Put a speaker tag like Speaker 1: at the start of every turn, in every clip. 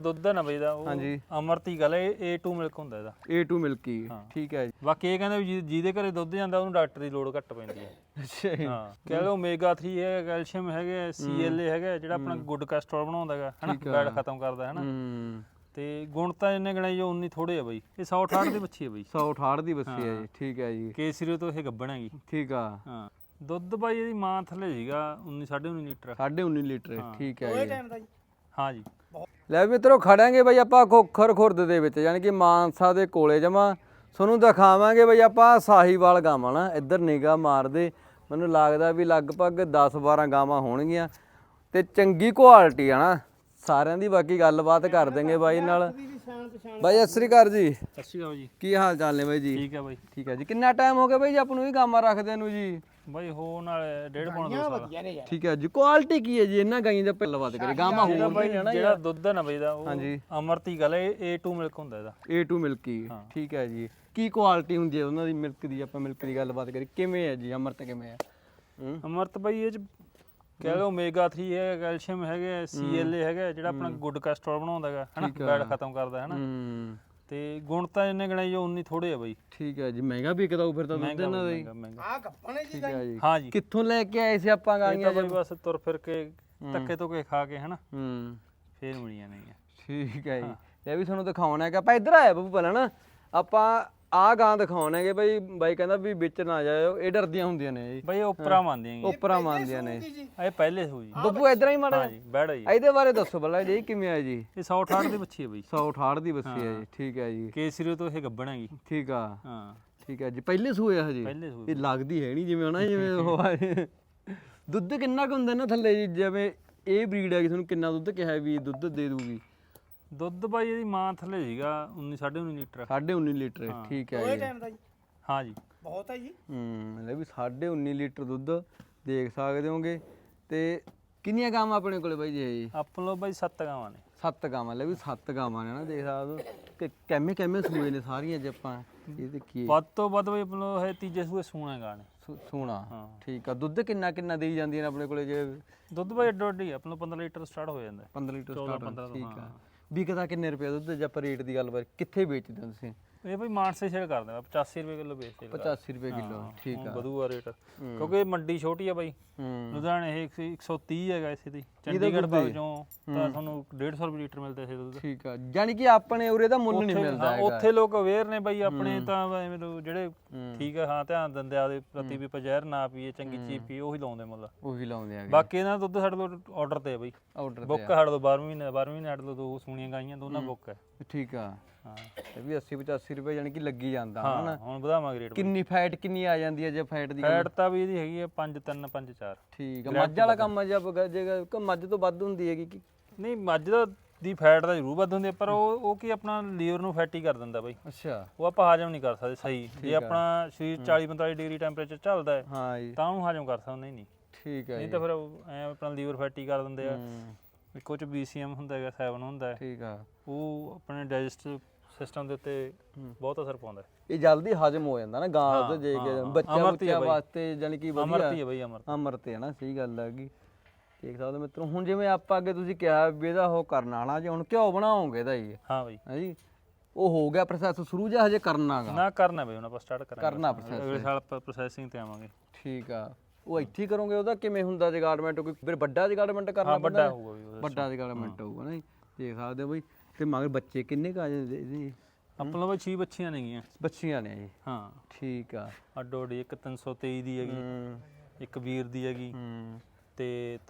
Speaker 1: ਦੁੱਧ ਦਾ ਨਾ ਬਈ ਦਾ ਉਹ
Speaker 2: ਹਾਂਜੀ
Speaker 1: ਅਮਰਤੀ ਗੱਲ A2 ਮਿਲਕ ਹੁੰਦਾ ਇਹਦਾ
Speaker 2: A2 ਮਿਲਕੀ ਠੀਕ ਹੈ ਜੀ।
Speaker 1: ਬਾਕੀ ਇਹ ਕਹਿੰਦੇ ਵੀ ਜਿਹਦੇ ਘਰੇ ਦੁੱਧ ਜਾਂਦਾ ਉਹਨੂੰ ਡਾਕਟਰ ਦੀ ਲੋੜ ਘੱਟ ਪੈਂਦੀ ਹੈ।
Speaker 2: ਅੱਛਾ ਜੀ।
Speaker 1: ਹਾਂ ਕਹਿ ਲਓ ਓਮੇਗਾ 3 ਹੈ, ਕੈਲਸ਼ੀਅਮ ਹੈਗੇ, CLA ਹੈਗਾ ਜਿਹੜਾ ਆਪਣਾ ਗੁੱਡ ਕੋਲੇਸਟ੍ਰੋਲ ਬਣਾਉਂਦਾ ਹੈਗਾ ਹਨਾ, ਬੈਡ ਖਤਮ ਕਰਦਾ ਹੈ ਨਾ। ਤੇ ਗੁਣ ਤਾਂ ਇੰਨੇ ਗਣਾਈ ਜੋ 19 ਥੋੜੇ ਆ ਬਈ। ਇਹ 168 ਦੀ ਬੱਚੀ ਹੈ ਬਈ।
Speaker 2: 168 ਦੀ ਬੱਚੀ ਹੈ ਜੀ ਠੀਕ ਹੈ ਜੀ।
Speaker 1: ਕੇਸਰੀ ਤੋਂ ਇਹ ਗੱਭਣ ਹੈਗੀ
Speaker 2: ਠੀਕ ਆ।
Speaker 1: ਹਾਂ ਦੁੱਧ ਬਾਈ ਇਹਦੀ ਮਾਂ ਥੱਲੇ ਸੀਗਾ 19 19.5 ਲੀਟਰ
Speaker 2: 19.5 ਲੀਟਰ ਠੀਕ ਹੈ ਜੀ।
Speaker 1: ਹਾਂ ਜੀ।
Speaker 2: ਲੈ ਮਿੱਤਰੋ ਖੜਾਂਗੇ ਬਈ ਆਪਾਂ ਖੋਖਰ ਖੁਰਦ ਦੇ ਵਿੱਚ ਯਾਨੀ ਕਿ ਮਾਨਸਾ ਦੇ ਕੋਲੇ ਜਮਾ ਤੁਹਾਨੂੰ ਦਿਖਾਵਾਂਗੇ ਬਈ ਆਪਾਂ ਸਾਹੀਵਾਲ ਗਾਵਾਂ ਨਾ ਇੱਧਰ ਨਿਗਾਹ ਮਾਰਦੇ ਮੈਨੂੰ ਲੱਗਦਾ ਵੀ ਲਗਭਗ 10-12 ਗਾਵਾਂ ਹੋਣਗੀਆਂ ਤੇ ਚੰਗੀ ਕੁਆਲਿਟੀ ਆ ਨਾ ਸਾਰਿਆਂ ਦੀ। ਬਾਕੀ ਗੱਲਬਾਤ ਕਰ ਦੇਂਗੇ ਬਾਈ ਨਾਲ। ਬਾਈ ਸਤਿ ਸ੍ਰੀ ਅਕਾਲ ਜੀ।
Speaker 1: ਸਤਿ ਸ਼੍ਰੀ ਅਕਾਲ ਜੀ।
Speaker 2: ਕੀ ਹਾਲ ਚਾਲ ਨੇ ਬਾਈ ਜੀ?
Speaker 1: ਠੀਕ ਹੈ ਬਾਈ।
Speaker 2: ਠੀਕ ਹੈ ਜੀ। ਕਿੰਨਾ ਟਾਈਮ ਹੋ ਗਿਆ ਬਾਈ ਜੀ ਆਪਾਂ ਨੂੰ ਇਹ ਗਾਵਾਂ ਰੱਖਦੇ ਨੂੰ ਜੀ?
Speaker 1: ਬਾਈ ਹੋ ਨਾਲ 1.5 ਪੌਣਾ 2 ਸਾਲ।
Speaker 2: ਠੀਕ ਹੈ ਜੀ। ਕੁਆਲਿਟੀ ਕੀ ਹੈ ਜੀ ਇਹਨਾਂ ਗਾਈਆਂ ਦਾ? ਪਹਿਲਾਂ ਬਾਤ ਕਰੀ ਗਾਵਾਂ ਹੋ
Speaker 1: ਬਾਈ ਜਿਹੜਾ ਦੁੱਧ ਹੈ ਨਾ ਬਈ ਦਾ ਉਹ
Speaker 2: ਹਾਂਜੀ
Speaker 1: ਅਮਰਤੀ ਗੱਲ A2 ਮਿਲਕ ਹੁੰਦਾ ਇਹਦਾ।
Speaker 2: A2 ਮਿਲਕੀ ਠੀਕ ਹੈ ਜੀ। ਕੀ ਕੁਆਲਿਟੀ ਹੁੰਦੀ ਹੈ ਉਹਨਾਂ ਦੀ ਮਿਲਕ ਦੀ? ਆਪਾਂ ਮਿਲਕ ਦੀ ਗੱਲਬਾਤ ਕਰੀ ਕਿਵੇਂ ਹੈ ਜੀ? ਅਮਰਤ ਕਿਵੇਂ ਹੈ?
Speaker 1: ਅਮਰਤ ਬਾਈ ਇਹ ਚ ਕਹਿ ਲਓ ਓਮੇਗਾ 3 ਹੈ, ਕੈਲਸ਼ੀਅਮ ਹੈਗਾ, CLA ਹੈਗਾ ਜਿਹੜਾ ਆਪਣਾ ਗੁੱਡ ਕੋਲੇਸਟ੍ਰੋਲ ਬਣਾਉਂਦਾ ਹੈਗਾ ਹਨਾ, ਬੈਡ ਖਤਮ ਕਰਦਾ ਹੈ ਨਾ। ਤੇ ਗੁਣ ਤਾਂ ਇੰਨੇ ਗਣਾਈ ਜੋ 19 ਥੋੜੇ ਆ ਬਾਈ।
Speaker 2: ਠੀਕ ਹੈ ਜੀ। ਮਹਿੰਗਾ ਵੀ ਕਿਦਾਂ ਫਿਰ ਤਾਂ ਦੁੱਧ ਇਹਨਾਂ ਦਾ ਹੀ।
Speaker 1: ਆ ਗੱਪਣੇ
Speaker 2: ਠੀਕ ਹੈ ਜੀ।
Speaker 1: ਹਾਂ ਜੀ।
Speaker 2: ਕਿੱਥੋਂ ਲੈ ਕੇ ਆਏ ਸੀ ਆਪਾਂ ਗਾਈਆਂ?
Speaker 1: ਬਾਈ ਬਸ ਤੁਰ ਫਿਰ ਕੇ ਧੱਕੇ ਤੋਂ ਕੇ ਖਾ ਕੇ ਹਨਾ ਫੇਰ ਮਿਲੀਆਂ ਨਹੀਂ।
Speaker 2: ਠੀਕ ਹੈ ਜੀ। ਇਹ ਵੀ ਤੁਹਾਨੂੰ ਦਿਖਾਉਣਾ ਹੈ ਕਿ ਆਪਾਂ ਇੱਧਰ ਆਏ ਬੱਬੂ ਪਹਿਲਾਂ ਨਾ ਆਪਾਂ ਆਹ ਗਾਂ ਦਿਖਾਉਣਾ ਹੈ ਕਿ ਬਾਈ ਕਹਿੰਦਾ ਵੀ ਵਿੱਚ ਨਾ ਜਾਇਓ ਇਹ ਡਰਦੀਆਂ ਹੁੰਦੀਆਂ ਨੇ ਜੀ
Speaker 1: ਬਾਈ ਉਪਰਾ ਮੰਨਦੀਆਂ
Speaker 2: ਉਪਰਾ ਮੰਨਦੀਆਂ ਨੇ।
Speaker 1: ਇਹ ਪਹਿਲੇ ਹੋ ਜੀ
Speaker 2: ਬੱਬੂ ਇੱਧਰ ਹੀ ਮਾੜਾ
Speaker 1: ਜੀ ਬੈੜਾ ਜੀ।
Speaker 2: ਇਹਦੇ ਬਾਰੇ ਦੱਸੋ ਪਹਿਲਾਂ ਜੀ ਕਿਵੇਂ ਹੈ ਜੀ?
Speaker 1: ਇਹ 168 ਦੀ ਬੱਚੀ ਹੈ ਬਾਈ।
Speaker 2: 168 ਦੀ ਬੱਚੀ ਹੈ ਜੀ ਠੀਕ ਹੈ ਜੀ।
Speaker 1: ਕੇਸਰੀ ਤੋਂ ਇਹ ਗੱਭਣ ਹੈਗੀ।
Speaker 2: ਠੀਕ ਆ।
Speaker 1: ਹਾਂ
Speaker 2: ਠੀਕ ਹੈ ਜੀ। ਪਹਿਲੇ ਸੂਏ ਆ ਹਜੇ?
Speaker 1: ਪਹਿਲੇ ਸੂਏ।
Speaker 2: ਇਹ ਲੱਗਦੀ ਹੈ ਨਹੀਂ ਜਿਵੇਂ ਹਨਾ ਜਿਵੇਂ ਉਹ ਦੁੱਧ ਕਿੰਨਾ ਕੁ ਹੁੰਦਾ ਨਾ ਥੱਲੇ ਜੀ? ਜਿਵੇਂ ਇਹ ਬਰੀਡ ਹੈ ਤੁਹਾਨੂੰ ਕਿੰਨਾ ਦੁੱਧ ਕਿਹਾ ਵੀ ਦੁੱਧ ਦੇ ਦੂਗੀ?
Speaker 1: ਦੁੱਧ ਬਾਈ ਇਹਦੀ ਮਾਂ ਥੱਲੇ ਸੀਗਾ 19 19.5 ਲੀਟਰ
Speaker 2: 19.5 ਲੀਟਰ ਠੀਕ ਹੈ ਜੀ।
Speaker 1: ਹਾਂ ਜੀ
Speaker 2: ਬਹੁਤ ਹੈ ਜੀ। ਲੈ ਵੀ 19.5 ਲੀਟਰ ਦੁੱਧ ਦੇਖ ਸਕਦੇ ਹੋਗੇ। ਤੇ ਕਿੰਨੀਆਂ ਗਾਵਾਂ ਆਪਣੇ ਕੋਲੇ ਬਾਈ ਜੀ?
Speaker 1: ਆਪਣੇ ਲੋ ਬਾਈ 7 ਗਾਵਾਂ ਨੇ।
Speaker 2: 7 ਗਾਵਾਂ ਲੈ ਵੀ 7 ਗਾਵਾਂ ਨੇ ਨਾ ਦੇਖ ਸਕਦੇ ਹੋ ਕਿ ਕਿਵੇਂ ਸੂਏ ਨੇ ਸਾਰੀਆਂ ਜੇ ਆਪਾਂ ਇਹ ਦੇਖੀਏ।
Speaker 1: ਵੱਧ ਤੋਂ ਵੱਧ ਬਾਈ ਆਪਣੇ ਲੋ ਇਹ ਤੀਜੇ ਸੂਏ ਸੂਣਾ ਗਾ ਨੇ।
Speaker 2: ਸੂਣਾ ਠੀਕ ਆ। ਦੁੱਧ ਕਿੰਨਾ ਦੇਈ ਜਾਂਦੀਆਂ ਨੇ ਆਪਣੇ ਕੋਲੇ? ਜੇ
Speaker 1: ਦੁੱਧ ਬਾਈ ਅੱਡੋ ਅੱਡੀ ਆਪਣੇ 15 ਲੀਟਰ ਸਟਾਰਟ ਹੋ ਜਾਂਦਾ।
Speaker 2: 15 ਲੀਟਰ ਸਟਾਰਟ ਠੀਕ ਆ। ਵਿਕਦਾ ਕਿੰਨੇ ਰੁਪਏ ਦੁੱਧ? ਜੇ ਆਪਾਂ ਰੇਟ ਦੀ ਗੱਲ ਕਰੀਏ ਕਿੱਥੇ ਵੇਚਦੇ ਹੋ ਤੁਸੀਂ?
Speaker 1: ਇਹ ਬਈ ਮਾਨਸੇ ਸ਼ੇਅਰ ਕਰਦੇ ਆ 85 ਰੁਪਏ ਕਿਲੋ ਵੇਚਦੇ।
Speaker 2: 85 ਰੁਪਏ ਕਿਲੋ ਠੀਕ ਆ।
Speaker 1: ਵਧੂਆ ਰੇਟ ਕਿਉਂਕਿ ਮੰਡੀ ਛੋਟੀ ਆ ਬਾਈ। ਲੁਧਿਆਣੇ ਇਹ 130 ਹੈਗਾ ਇਸੇ ਦੀ। ਚੰਡੀਗੜ੍ਹ ਬਾਗ ਚੋਂ ਤਾਂ ਤੁਹਾਨੂੰ 150 ਰੁਪਏ ਲੀਟਰ ਮਿਲਦਾ ਇਸੇ ਦੁੱਧ।
Speaker 2: ਠੀਕ ਆ। ਯਾਨੀ ਕਿ ਆਪਣੇ ਉਰੇ ਦਾ ਮੁੱਲ ਨਹੀਂ ਮਿਲਦਾ ਹੈਗਾ।
Speaker 1: ਉੱਥੇ ਲੋਕ ਅਵੇਅਰ ਨੇ ਬਾਈ ਆਪਣੇ ਤਾਂ ਜਿਹੜੇ ਠੀਕ ਆ ਹਾਂ ਧਿਆਨ ਦਿੰਦੇ ਆ ਦੇ ਪ੍ਰਤੀ ਵੀ ਜ਼ਹਿਰ ਨਾ ਪੀਏ ਚੰਗੀ ਚੀਜ਼ ਪੀਏ ਉਹੀ ਲਾਉਂਦੇ ਮੁੱਲ।
Speaker 2: ਉਹੀ ਲਾਉਂਦੇ ਆ।
Speaker 1: ਬਾਕੀ ਇਹਨਾਂ ਦਾ ਦੁੱਧ ਸਾਡੇ ਕੋਲ ਆਰਡਰ ਤੇ ਆ ਬਾਈ।
Speaker 2: ਆਰਡਰ
Speaker 1: ਬੁੱਕ ਸਾਡੇ ਤੋਂ 12 ਮਹੀਨੇ ਸਾਡੇ ਤੋਂ 2 ਸੂਣੀਆਂ ਗਾਈਆਂ ਦੋਨਾਂ ਬੁੱਕ ਹੈ।
Speaker 2: ਠੀਕ ਆ। ਹਾਂ ਇਹ ਵੀ 80-85 ਰੁਪਏ ਯਾਨੀ ਕਿ ਲੱਗੀ ਜਾਂਦਾ
Speaker 1: ਹਨਾ। ਹੁਣ ਵਧਾਵਾਂਗੇ ਰੇਟ।
Speaker 2: ਕਿੰਨੀ ਫੈਟ ਕਿੰਨੀ ਆ ਜਾਂਦੀ ਹੈ ਜੇ ਫੈਟ ਦੀ?
Speaker 1: ਫੈਟ ਤਾਂ ਵੀ ਇਹਦੀ ਹੈਗੀ ਹੈ 5-3 5-4।
Speaker 2: ਠੀਕ ਆ। ਮੱਝ ਵਾਲਾ ਕੰਮ ਆ ਜੇ ਮੱਝ ਤੋਂ ਵੱਧ ਹੁੰਦੀ ਹੈਗੀ ਕਿ
Speaker 1: ਨਹੀਂ? ਮੱਝ ਦੀ ਫੈਟ ਤਾਂ ਜ਼ਰੂਰ ਵੱਧ ਹੁੰਦੀ ਹੈ ਪਰ ਉਹ ਕੀ ਆਪਣਾ ਲੀਵਰ ਨੂੰ ਫੈਟੀ ਕਰ ਦਿੰਦਾ ਬਾਈ।
Speaker 2: ਅੱਛਾ।
Speaker 1: ਉਹ ਆਪਾਂ ਹਾਜ਼ਮ ਨਹੀਂ ਕਰ ਸਕਦੇ ਸਹੀ। ਜੇ ਆਪਣਾ ਸਰੀਰ 40-45 ਡਿਗਰੀ ਟੈਂਪਰੇਚਰ ਚੱਲਦਾ ਹੈ
Speaker 2: ਹਾਂ ਜੀ
Speaker 1: ਤਾਂ ਉਹਨੂੰ ਹਾਜ਼ਮ ਕਰ ਸਕਦੇ ਨਹੀਂ।
Speaker 2: ਠੀਕ ਹੈ।
Speaker 1: ਨਹੀਂ ਤਾਂ ਫਿਰ ਐ ਆਪਣਾ ਲੀਵਰ ਫੈਟੀ ਕਰ ਦਿੰਦੇ ਆ। ਇੱਕੋ ਚ BCM ਹੁੰਦਾ ਹੈਗਾ 7 ਹੁੰਦਾ ਹੈ।
Speaker 2: ਠੀਕ ਆ।
Speaker 1: ਉਹ ਆਪਣੇ ਡਾਈਜੈਸਟਿਵ ਸਿਸਟਮ ਦੇ ਉੱਤੇ ਬਹੁਤ ਅਸਰ ਪਾਉਂਦਾ।
Speaker 2: ਇਹ ਜਲਦੀ ਹਜਮ ਹੋ ਜਾਂਦਾ ਨਾ ਗਾਂ ਦਾ ਜੇ ਬੱਚਿਆਂ ਵਾਸਤੇ ਯਾਨੀ ਕਿ
Speaker 1: ਅਮਰਤੀ ਹੈ ਬਾਈ।
Speaker 2: ਅਮਰਤ ਹੈ ਨਾ ਸਹੀ ਗੱਲ ਹੈਗੀ। ਦੇਖ ਸਕਦੇ ਮਿੱਤਰੋ ਹੁਣ ਜਿਵੇਂ ਆਪਾਂ ਅੱਗੇ ਤੁਸੀਂ ਕਿਹਾ ਵੀ ਇਹਦਾ ਉਹ ਕਰਨਾ ਵਾਲਾ ਜੇ ਹੁਣ ਘਿਓ ਬਣਾਓਗੇ ਇਹਦਾ ਜੀ? ਹਾਂ ਬਾਈ। ਹੈ ਜੀ। ਉਹ ਹੋ ਗਿਆ ਪ੍ਰੋਸੈਸ ਸ਼ੁਰੂ ਜਾਂ ਹਜੇ ਕਰਨਾਗਾ?
Speaker 1: ਨਾ ਕਰਨਾ ਬਾਈ ਹੁਣ ਆਪਾਂ ਸਟਾਰਟ ਕਰਾਂਗੇ।
Speaker 2: ਕਰਨਾ ਪ੍ਰੋਸੈਸ
Speaker 1: ਅਗਲੇ ਸਾਲ ਆਪਾਂ ਪ੍ਰੋਸੈਸਿੰਗ ਤੇ ਆਵਾਂਗੇ।
Speaker 2: ਠੀਕ ਆ। ਉਹ ਇੱਥੇ ਹੀ ਕਰੋਗੇ? ਉਹਦਾ ਕਿਵੇਂ ਹੁੰਦਾ ਜਗਾਰਡਮੈਂਟ? ਕੋਈ ਫਿਰ ਵੱਡਾ ਜਗਾਰਡਮੈਂਟ ਕਰਨਾ
Speaker 1: ਵੱਡਾ ਹੋਊਗਾ ਵੀ।
Speaker 2: ਵੱਡਾ ਜਗਾਰਡਮੈਂਟ ਹੋਊਗਾ ਨਾ ਜੀ। ਦੇਖ ਸਕਦੇ ਹੋ ਬਾਈ। ਤੇ ਮਗਰ ਬੱਚੇ ਕਿੰਨੇ ਕਾ ਜੀ?
Speaker 1: ਆਪਣੇ ਕੋਲ 6 ਬੱਚੀਆਂ ਨੇਗੀਆਂ।
Speaker 2: ਬੱਚੀਆਂ ਨੇ ਜੀ? ਹਾਂ ਠੀਕ ਆ।
Speaker 1: ਅੱਡੋ ਅੱਡੀ ਇੱਕ 323 ਦੀ ਹੈਗੀ, ਇੱਕ ਵੀਰ ਦੀ ਹੈਗੀ ਤੇ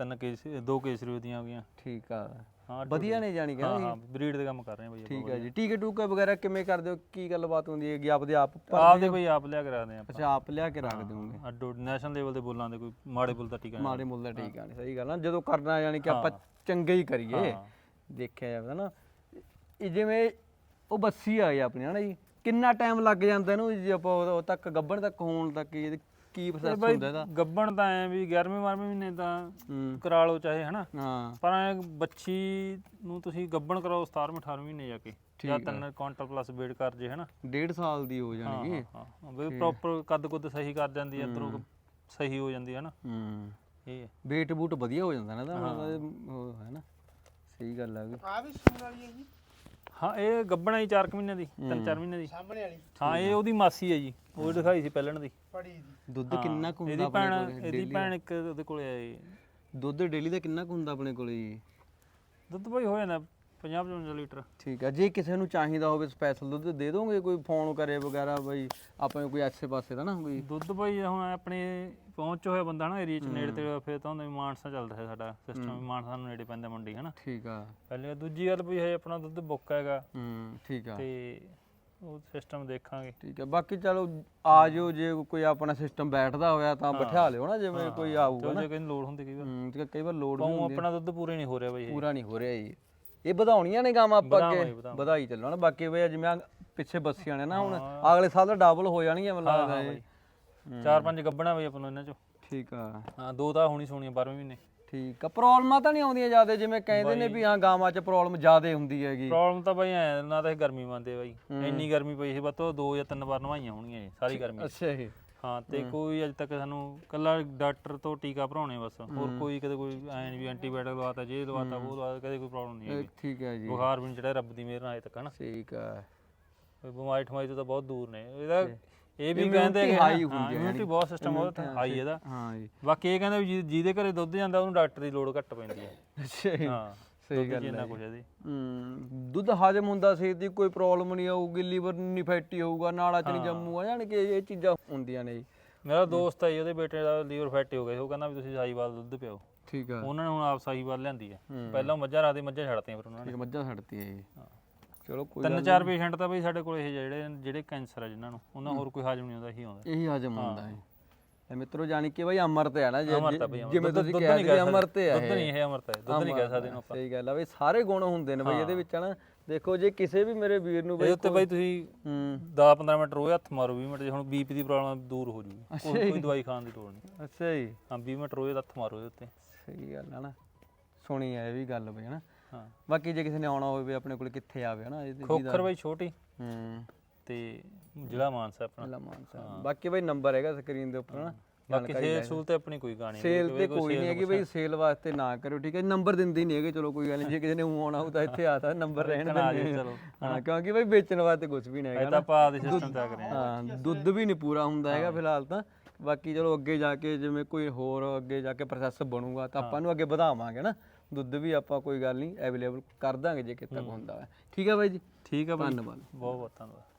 Speaker 1: 2 ਕੇਸਰੀ ਦੀਆਂ ਹੋ ਗਈਆਂ।
Speaker 2: ਠੀਕ ਆ। ਵਧੀਆ ਨੇ ਜਾਣੀ ਕਿ
Speaker 1: ਹਾਂ ਬਰੀਡ ਦੇ ਕੰਮ ਕਰ ਰਹੇ ਆ ਬਾਈ।
Speaker 2: ਠੀਕ ਹੈ ਜੀ। ਟੀਕੇ ਟੂਕੇ ਵਗੈਰਾ ਕਿਵੇਂ ਕਰਦੇ ਹੋ? ਕੀ ਗੱਲਬਾਤ ਹੁੰਦੀ ਹੈਗੀ? ਆਪਦੇ ਆਪ
Speaker 1: ਆਪਦੇ ਬਾਈ ਆਪ ਲਿਆ ਕੇ ਰੱਖਦੇ ਆ।
Speaker 2: ਅੱਛਾ ਆਪ ਲਿਆ ਕੇ ਰੱਖ ਦਿਓਗੇ? ਅੱਡੋ
Speaker 1: ਨੈਸ਼ਨਲ ਲੈਵਲ ਦੇ ਬੋਲਾਂ ਦੇ ਕੋਈ ਮਾੜੇ ਮੁੱਲ ਦਾ ਟੀਕਾ ਨਹੀਂ।
Speaker 2: ਮਾੜੇ ਮੁੱਲ ਦਾ ਟੀਕਾ ਨਹੀਂ ਸਹੀ ਗੱਲ ਆ। ਜਦੋਂ ਕਰਨਾ ਯਾਨੀ ਕਿ ਆਪਾਂ ਚੰਗੇ ਹੀ ਕਰੀਏ ਦੇਖਿਆ ਜਾਵੇ ਨਾ। ਜਿਵੇਂ ਉਹ ਬੱਸੀ ਆ ਗਈ ਆਪਣੀ ਹਨਾ ਜੀ। ਕਿੰਨਾ ਟਾਈਮ ਲੱਗ ਜਾਂਦਾ ਇਹਨੂੰ ਜੇ ਆਪਾਂ ਉਹ ਤੱਕ ਗੱਭਣ ਤੱਕ ਹੋਣ ਤੱਕ ਕੀ ਪ੍ਰੋਸੈਸ ਹੁੰਦਾ ਇਹਦਾ? ਗੱਭਣ
Speaker 1: ਤਾਂ ਐ ਵੀ 11ਵੇਂ ਮਹੀਨੇ ਤਾਂ ਕਰਾ ਲਓ ਚਾਹੇ ਹਨਾ। ਪਰ ਐ ਬੱਚੀ ਨੂੰ ਤੁਸੀਂ ਗੱਭਣ ਕਰਾਓ 17ਵੇਂ 18ਵੇਂ ਮਹੀਨੇ ਜਾ ਕੇ ਜਾਂ 3 ਕੁਆਂਟਲ ਪਲੱਸ ਵੇਟ ਕਰ ਜੇ ਹਨਾ।
Speaker 2: 1.5 ਸਾਲ ਦੀ ਹੋ ਜਾਣਗੀ।
Speaker 1: ਹਾਂ ਵੀ ਪ੍ਰੋਪਰ ਕੱਦ ਕੁੱਦ ਸਹੀ ਕਰ ਜਾਂਦੀ ਹੈ ਅੰਦਰੋਂ ਸਹੀ ਹੋ ਜਾਂਦੀ ਹੈ ਨਾ। ਇਹ
Speaker 2: ਵੇਟ ਬੂਟ ਵਧੀਆ ਹੋ ਜਾਂਦਾ ਨਾ ਇਹਦਾ ਹੈ ਨਾ। ਸਹੀ ਗੱਲ ਆ ਵੀ
Speaker 3: ਆ ਵੀ ਸੂਣ ਵਾਲੀ ਹੈ ਜੀ
Speaker 1: ਹਾਂ ਇਹ ਗੱਬਣਾ ਹੀ 4 ਮਹੀਨੇ ਦੀ 3-4 ਮਹੀਨੇ ਦੀ
Speaker 3: ਸਾਹਮਣੇ ਵਾਲੀ
Speaker 1: ਹਾਂ ਇਹ ਉਹਦੀ ਮਾਸੀ ਹੈ ਜੀ ਉਹ ਦਿਖਾਈ ਸੀ ਪਹਿਲਣ ਦੀ
Speaker 3: ਪੜੀ ਦੀ
Speaker 2: ਦੁੱਧ ਕਿੰਨਾ ਕੁ ਹੁੰਦਾ
Speaker 1: ਇਹਦੀ ਭੈਣ ਇੱਕ ਉਹਦੇ ਕੋਲੇ ਆਈ
Speaker 2: ਦੁੱਧ ਡੇਲੀ ਦਾ ਕਿੰਨਾ ਕੁ ਹੁੰਦਾ ਆਪਣੇ ਕੋਲੇ ਜੀ
Speaker 1: ਦੁੱਧ ਭਾਈ ਹੋ ਜਾਂਦਾ 50-55 ਲੀਟਰ
Speaker 2: ਠੀਕ ਆ ਜੇ ਕਿਸੇ ਨੂੰ ਚਾਹੀਦਾ ਹੋਵੇ ਸਪੈਸ਼ਲ ਦੁੱਧ ਦੇ ਦੋਗੇ ਕੋਈ ਫੋਨ ਕਰੇ ਵਗੈਰਾ ਬਈ ਆਪਣੇ ਕੋਈ ਐਸੇ ਪਾਸੇ ਦਾ ਨਾ ਕੋਈ
Speaker 1: ਦੁੱਧ ਭਾਈ ਹੁਣ ਆਪਣੇ ਪਹੁੰਚ ਹੋਇਆ ਬੰਦਾ ਨਾ ਏਰੀਆ ਚ ਨੇੜੇ ਤੇ ਫਿਰ ਤਾਂ ਹੁੰਦਾ ਵੀ ਮਾਨਸਾ ਚੱਲਦਾ ਹੈ ਸਾਡਾ ਸਿਸਟਮ ਮਾਨਸਾ ਨੂੰ ਨੇੜੇ ਪੈਂਦਾ ਮੰਡੀ ਹੈ ਨਾ
Speaker 2: ਠੀਕ ਆ
Speaker 1: ਪਹਿਲੇ ਦੂਜੀ ਗੱਲ ਵੀ ਹੈ ਆਪਣਾ ਦੁੱਧ ਬੁੱਕ ਹੈਗਾ
Speaker 2: ਠੀਕ ਆ
Speaker 1: ਤੇ ਉਹ ਸਿਸਟਮ ਦੇਖਾਂਗੇ
Speaker 2: ਠੀਕ ਹੈ ਬਾਕੀ ਚਲੋ ਆ ਜਾਓ ਜੇ ਕੋਈ ਆਪਣਾ ਸਿਸਟਮ ਬੈਠਦਾ ਹੋਇਆ ਤਾਂ ਬਿਠਾ ਲਿਓ ਨਾ ਜਿਵੇਂ ਕੋਈ ਆਊਗਾ ਨਾ
Speaker 1: ਜੇ ਕੋਈ ਲੋੜ ਹੁੰਦੀ ਕਈ ਵਾਰ
Speaker 2: ਕਈ ਵਾਰ ਲੋਡ
Speaker 1: ਪਾਉ ਆਪਣਾ ਦੁੱਧ ਪੂਰੇ ਨਹੀਂ ਹੋ ਰਿਹਾ ਬਈ
Speaker 2: ਪੂਰਾ ਨਹੀਂ ਹੋ ਰਿਹਾ ਜੀ ਇਹ ਵਧਾਉਣੀਆਂ ਨੇ ਗਾਵਾਂ ਆਪਾਂ ਅੱਗੇ ਵਧਾਈ ਚੱਲੋ ਨਾ ਬਾਕੀ ਬਈ ਜਿਵੇਂ ਆਹ ਪਿੱਛੇ ਬੱਸੀਆਂ ਨੇ ਨਾ ਹੁਣ ਅਗਲੇ ਸਾਲ ਤਾਂ ਡਬਲ ਹੋ ਜਾਣਗੀਆਂ ਮੈਨੂੰ ਲੱਗਦਾ ਇਹ
Speaker 1: 4-5 ਗੱਬਣਾ ਬਈ ਆਪਾਂ ਨੂੰ ਇਹਨਾਂ ਚੋਂ
Speaker 2: ਠੀਕ ਆ
Speaker 1: ਹਾਂ 2 ਤਾਂ ਹੋਣੀ ਸੋਣੀਆਂ 12ਵੇਂ ਮਹੀਨੇ
Speaker 2: ਠੀਕ ਆ ਪ੍ਰੋਬਲਮਾਂ ਤਾਂ ਨਹੀਂ ਆਉਂਦੀਆਂ ਜ਼ਿਆਦਾ ਜਿਵੇਂ ਕਹਿੰਦੇ ਨੇ ਵੀ ਹਾਂ ਗਾਵਾਂ 'ਚ ਪ੍ਰੋਬਲਮ ਜ਼ਿਆਦਾ ਹੁੰਦੀ ਹੈਗੀ
Speaker 1: ਪ੍ਰੋਬਲਮ ਤਾਂ ਬਈ ਐ ਨਾ ਤਾਂ ਇਹ ਗਰਮੀ ਮੰਨਦੇ ਬਾਈ ਇੰਨੀ ਗਰਮੀ ਪਈ ਸੀ ਬਸ ਉਹ 2 ਜਾਂ 3 ਵਾਰ ਨਵਾਈਆਂ ਹੋਣਗੀਆਂ ਸਾਰੀ ਗਰਮੀ
Speaker 2: ਅੱਛਾ ਜੀ
Speaker 1: ਹਾਂ ਤੇ ਕੋਈ ਅਜੇ ਤੱਕ ਸਾਨੂੰ ਕੱਲਾ ਡਾਕਟਰ ਤੋਂ ਟੀਕਾ ਭਰਾਉਣੇ ਬਸ ਹੋਰ ਕੋਈ ਕਦੇ ਕੋਈ ਐ ਨਹੀਂ ਵੀ ਐਂਟੀਬਾਇਓਟਿਕ ਲਵਾਤਾ ਜੇ ਲਵਾਤਾ ਉਹ ਲਵਾਤਾ ਕਦੇ ਕੋਈ ਪ੍ਰੋਬਲਮ ਨਹੀਂ ਹੈਗੀ
Speaker 2: ਠੀਕ ਹੈ ਜੀ
Speaker 1: ਬੁਖਾਰ ਵੀ ਨਹੀਂ ਚੜਿਆ ਰੱਬ ਦੀ ਮਿਹਰ ਨਾਲ ਅਜੇ ਤੱਕ ਹਨਾ
Speaker 2: ਠੀਕ ਆ
Speaker 1: ਕੋਈ ਬਿਮਾਰੀ ਠਮਾਰੀ ਤੋਂ ਤਾਂ ਬਹੁਤ ਦੂਰ ਨੇ ਇਹਦਾ ਇਹ ਵੀ ਕਹਿੰਦੇ ਕਿ ਹਾਈ ਹੁੰਦੀ ਹੈ ਇਮਿਊਨਿਟੀ ਬਹੁਤ ਸਿਸਟਮ ਬਹੁਤ ਹਾਈ ਇਹਦਾ
Speaker 2: ਹਾਂ ਜੀ
Speaker 1: ਬਾਕੀ ਇਹ ਕਹਿੰਦੇ ਵੀ ਜਿਹਦੇ ਘਰੇ ਦੁੱਧ ਜਾਂਦਾ ਉਹਨੂੰ ਡਾਕਟਰ ਦੀ ਲੋੜ ਘੱਟ ਪੈਂਦੀ ਹੈ
Speaker 2: ਅੱਛਾ ਜੀ
Speaker 1: ਹਾਂ
Speaker 2: ਸਹੀ ਗੱਲ
Speaker 1: ਇੰਨਾ ਕੁਝ ਇਹਦੀ
Speaker 2: ਦੁੱਧ ਹਜਮ ਹੁੰਦਾ ਸੀ ਦੀ ਕੋਈ ਪ੍ਰੋਬਲਮ ਨਹੀਂ ਆਊਗੀ ਲੀਵਰ ਨਹੀਂ ਫੈਟੀ ਹੋਊਗਾ ਨਾਲਾ ਚ ਨਹੀਂ ਜੰਮੂਗਾ ਜਾਣ ਕਿ ਇਹ ਚੀਜ਼ਾਂ ਹੁੰਦੀਆਂ ਨੇ ਜੀ
Speaker 1: ਮੇਰਾ ਦੋਸਤ ਹੈ ਜੀ, ਉਹਦੇ ਬੇਟੇ ਦਾ ਲੀਵਰ ਫੈਟੀ ਹੋ ਗਿਆ ਸੀ ਉਹ ਕਹਿੰਦਾ ਵੀ ਤੁਸੀਂ ਸਾਹੀਵਾਲ ਦੁੱਧ ਪਿਓ
Speaker 2: ਠੀਕ ਆ
Speaker 1: ਉਹਨਾਂ ਨੇ ਹੁਣ ਆਪ ਸਾਹੀਵਾਲ ਲਿਆਂਦੀ ਹੈ ਪਹਿਲਾਂ ਮੱਝਾਂ ਰੱਖਦੇ ਮੱਝਾਂ ਛੱਡਤੀਆਂ ਫਿਰ ਉਹਨਾਂ ਨੇ
Speaker 2: ਠੀਕ ਮੱਝਾਂ ਛੱਡਤੀ ਹੈ ਜੀ ਚਲੋ ਕੋਈ
Speaker 1: 3-4 ਪੇਸ਼ੈਂਟ ਤਾਂ ਬਈ ਸਾਡੇ ਕੋਲ ਇਹ ਜਿਹੜੇ ਕੈਂਸਰ ਆ ਜਿਨ੍ਹਾਂ ਨੂੰ ਉਹਨਾਂ ਹੋਰ ਕੋਈ ਹਾਜ਼ਮ ਨਹੀਂ ਹੁੰਦਾ ਇਹੀ ਆਉਂਦਾ
Speaker 2: ਇਹੀ ਹਜਮ ਹੁੰਦਾ ਹੈ ਇਹ ਮਿੱਤਰੋ ਜਾਨੀ ਕਿ ਬਈ ਅਮਰਤ ਹੈ ਨਾ
Speaker 1: ਅਮਰਤ ਆ ਬਈ,
Speaker 2: ਜਿਵੇਂ ਤੁਸੀਂ
Speaker 1: ਦੁੱਧ
Speaker 2: ਕਹਿ
Speaker 1: ਨਹੀਂ
Speaker 2: ਰਹੇ
Speaker 1: ਕਹਿ
Speaker 2: ਅਮਰਤ ਹੈ
Speaker 1: ਦੁੱਧ ਨਹੀਂ ਇਹ ਅਮਰਤ ਹੈ ਦੁੱਧ ਨਹੀਂ ਕਹਿ ਸਕਦੇ ਇਹਨੂੰ ਆਪਾਂ
Speaker 2: ਸਹੀ ਗੱਲ ਆ ਬਈ ਸਾਰੇ ਗੁਣ ਹੁੰਦੇ ਨੇ ਬਈ ਇਹਦੇ ਵਿੱਚ ਨਾ ਦੇਖੋ ਜੇ ਕਿਸੇ ਵੀ ਮੇਰੇ ਵੀਰ ਨੂੰ
Speaker 1: ਇਹਦੇ
Speaker 2: ਬਈ
Speaker 1: ਉੱਤੇ ਬਈ ਤੁਸੀਂ 10-15 ਮਿੰਟ ਰੋਜ਼ ਹੱਥ ਮਾਰੋ 20 ਮਿੰਟ ਜੇ ਹੁਣ ਬੀਪੀ ਦੀ ਪ੍ਰੋਬਲਮ ਦੂਰ ਹੋ ਜੂਗੀ ਕੋਈ ਦਵਾਈ ਖਾਣ ਦੀ ਲੋੜ ਨਹੀਂ
Speaker 2: ਅੱਛਾ ਜੀ
Speaker 1: ਹਾਂ 20 ਮਿੰਟ ਰੋਜ਼ ਹੱਥ ਮਾਰੋ ਇਹਦੇ ਉੱਤੇ
Speaker 2: ਸਹੀ ਗੱਲ ਆ ਨਾ ਸੁਣੀ ਆ ਇਹ ਵੀ ਗੱਲ ਬਈ ਹਨਾ
Speaker 1: ਹਾਂ
Speaker 2: ਬਾਕੀ ਜੇ ਕਿਸੇ ਨੇ ਆਉਣਾ ਹੋਵੇ ਆਪਣੇ ਕੋਲ ਕਿੱਥੇ ਆਵੇ ਹਨਾ ਇਹਦੀ
Speaker 1: ਖੋਖਰ ਬਈ ਛੋਟੀ ਤੇ ਜ਼ਿਲ੍ਹਾ ਮਾਨਸਾ ਆਪਣਾ
Speaker 2: ਮਾਨਸਾ ਬਾਕੀ ਬਈ ਨੰਬਰ ਹੈਗਾ ਸਕਰੀਨ ਦੇ ਉੱਪਰ ਹਨਾ
Speaker 1: ਬਾਕੀ ਸੇਲ ਸੂਲ ਤੇ ਆਪਣੀ ਕੋਈ ਗਾਣੀ
Speaker 2: ਸੇਲ ਤੇ ਕੋਈ ਨਹੀਂ ਹੈਗੀ ਬਈ ਸੇਲ ਵਾਸਤੇ ਨਾ ਕਰਿਓ ਠੀਕ ਹੈ ਨੰਬਰ ਦਿੰਦੇ ਨਹੀਂ ਹੈਗੇ ਚਲੋ ਕੋਈ ਗੱਲ ਨਹੀਂ ਜੇ ਕਿਸੇ ਨੇ ਆਉਣਾ ਹੋ ਤਾਂ ਇੱਥੇ ਆ ਤਾਂ ਨੰਬਰ ਰਹਿਣ ਦਿੰਦੇ
Speaker 1: ਚਲੋ
Speaker 2: ਹਾਂ ਕਿਉਂਕਿ ਬਈ ਵੇਚਣ ਵਾਸਤੇ ਕੁਝ ਵੀ ਨਹੀਂ ਹੈਗਾ
Speaker 1: ਤਾਂ ਆਪਾਂ ਦੇ ਸਿਸਟਮ ਤੇ ਆ ਰਹੇ
Speaker 2: ਹਾਂ ਦੁੱਧ ਵੀ ਨਹੀਂ ਪੂਰਾ ਹੁੰਦਾ ਹੈਗਾ ਫਿਲਹਾਲ ਤਾਂ ਬਾਕੀ ਚਲੋ ਅੱਗੇ ਜਾ ਕੇ ਜਿਵੇਂ ਕੋਈ ਹੋਰ ਅੱਗੇ ਜਾ ਕੇ ਪ੍ਰੋਸੈਸ ਬਣੂਗਾ ਤਾਂ ਆਪਾਂ ਨੂੰ ਅੱਗੇ ਵਧਾਵਾਂਗੇ ਨਾ ਦੁੱਧ ਵੀ ਆਪਾਂ ਕੋਈ ਗੱਲ ਨਹੀਂ ਅਵੇਲੇਬਲ ਕਰ ਦਾਂਗੇ ਜੇ ਕਿਤੇ ਹੁੰਦਾ ਹੈ ਠੀਕ ਹੈ ਬਾਈ ਜੀ
Speaker 1: ਠੀਕ ਆ ਬਾਈ
Speaker 2: ਧੰਨਵਾਦ
Speaker 1: ਬਹੁਤ ਬਹੁਤ ਧੰਨਵਾਦ